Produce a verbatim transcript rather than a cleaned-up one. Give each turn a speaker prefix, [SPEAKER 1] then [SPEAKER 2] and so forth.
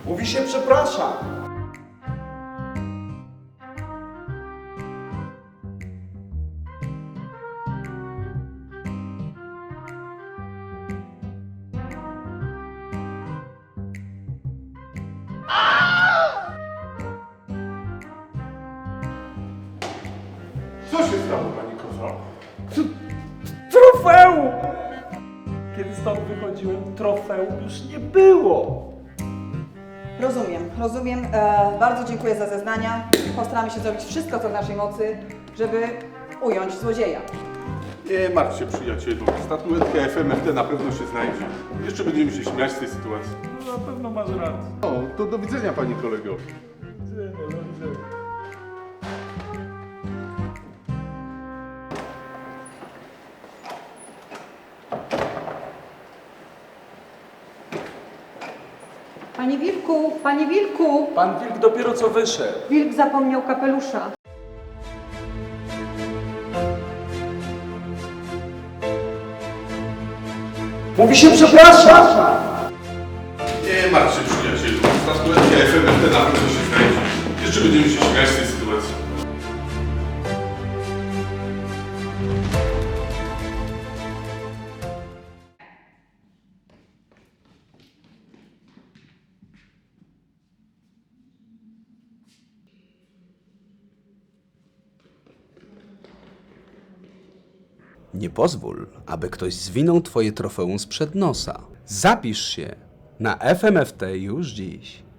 [SPEAKER 1] Mówi się przepraszam.
[SPEAKER 2] Co się stało, pani Kozo?
[SPEAKER 1] Trofeum! Kiedy stąd wychodziłem, trofeum już nie było.
[SPEAKER 3] Rozumiem, rozumiem. E, bardzo dziękuję za zeznania. Postaramy się zrobić wszystko, co w naszej mocy, żeby ująć złodzieja.
[SPEAKER 2] Nie martw się, przyjacielu. Statuetka F M F T na pewno się znajdzie. Jeszcze będziemy się śmiać z tej sytuacji.
[SPEAKER 1] No, na pewno masz rację.
[SPEAKER 2] O, to do widzenia, pani kolego.
[SPEAKER 1] Widzenia, do widzenia.
[SPEAKER 4] Panie Wilku, panie Wilku!
[SPEAKER 1] Pan Wilk dopiero co wyszedł.
[SPEAKER 4] Wilk zapomniał kapelusza.
[SPEAKER 1] Mówi się przepraszam!
[SPEAKER 2] Nie martw się, przyjacielu. Statuetka F M F T na pewno się znajdzie. Jeszcze będziemy się śmiać z tej sytuacji.
[SPEAKER 5] Nie pozwól, aby ktoś zwinął twoje trofeum sprzed nosa. Zapisz się na F M F T już dziś.